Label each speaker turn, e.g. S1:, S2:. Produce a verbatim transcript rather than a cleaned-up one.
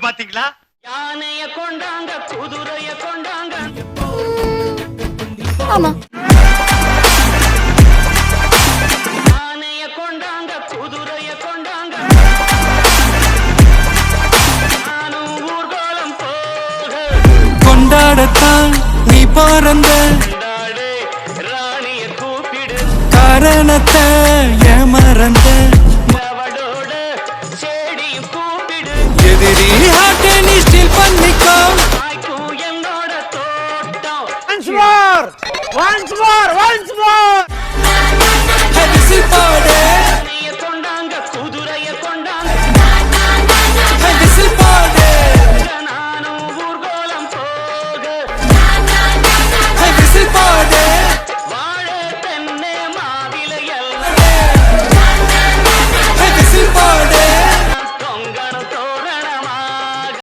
S1: பாத்தீங்களா?
S2: யானைய கொண்டாங்க குதிரைய கொண்டாங்க.
S3: ஆமா.
S2: யானைய கொண்டாங்க குதிரைய கொண்டாங்க. நானும் ஊர்வலம் போக
S4: கொண்டாடத்தான் நீ பிறந்த
S2: கொண்டாடு ராணிய கூப்பிடு
S4: காரணத்தை ஏமறந்த
S2: அவளோட செடியும் கூப்பிடு
S4: எதிரி ஹார்ட்டை நீ ஸ்டீல் பண்ணிக்கோ
S2: தாய்க்கும் என்னோட தோட்டம்.
S5: Once more! Once more! Once more!
S4: அரிசி போடு